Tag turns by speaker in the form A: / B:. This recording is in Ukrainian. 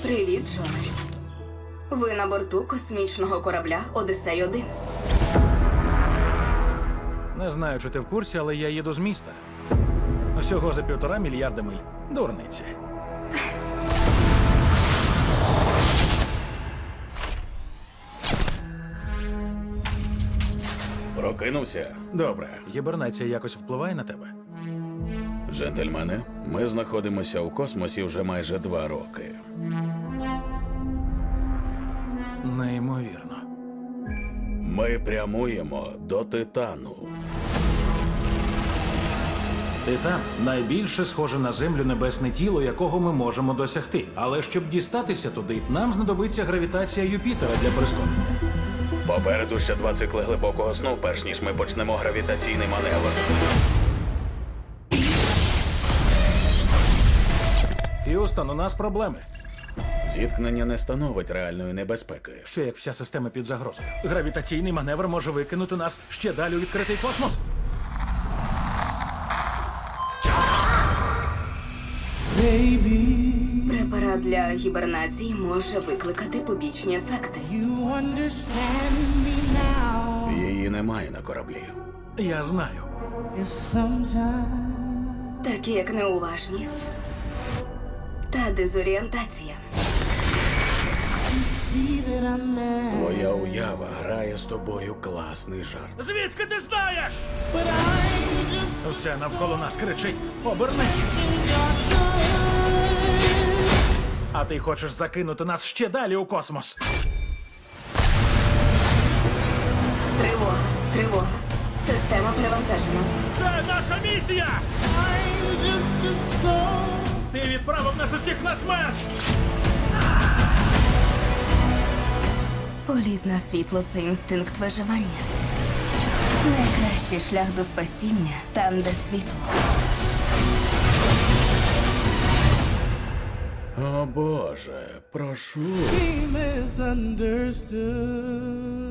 A: Привіт, Джоне. Ви на борту космічного корабля «Одіссей-1».
B: Не знаю, чи ти в курсі, але я їду з міста. Всього за 1,5 мільярда миль. Дурниці.
C: Прокинувся?
B: Добре. Гібернація якось впливає на тебе?
C: Джентльмени, ми знаходимося у космосі вже майже 2 роки.
B: Неймовірно.
C: Ми прямуємо до Титану.
B: Титан – найбільше схоже на Землю небесне тіло, якого ми можемо досягти. Але щоб дістатися туди, нам знадобиться гравітація Юпітера для прискорення.
C: Попереду ще 2 цикли глибокого сну, перш ніж ми почнемо гравітаційний маневр.
B: Х'юстон, у нас проблеми.
C: Зіткнення не становить реальної небезпеки.
B: Що як вся система під загрозою? Гравітаційний маневр може викинути нас ще далі у відкритий космос.
A: Препарат для гібернації може викликати побічні ефекти.
C: Її немає на кораблі.
B: Я знаю.
A: Такі як неуважність та дезорієнтація.
C: Твоя уява грає з тобою класний жарт.
B: Звідки ти знаєш? Все навколо нас кричить: обернись! А ти хочеш закинути нас ще далі у космос?
A: Тривога, тривога. Система перевантажена.
B: Це наша місія! Ти відправив нас усіх на смерть!
A: Політ на світло – це інстинкт виживання. Найкращий шлях до спасіння – там, де світло.
C: О Боже, прошу.
D: He misunderstood.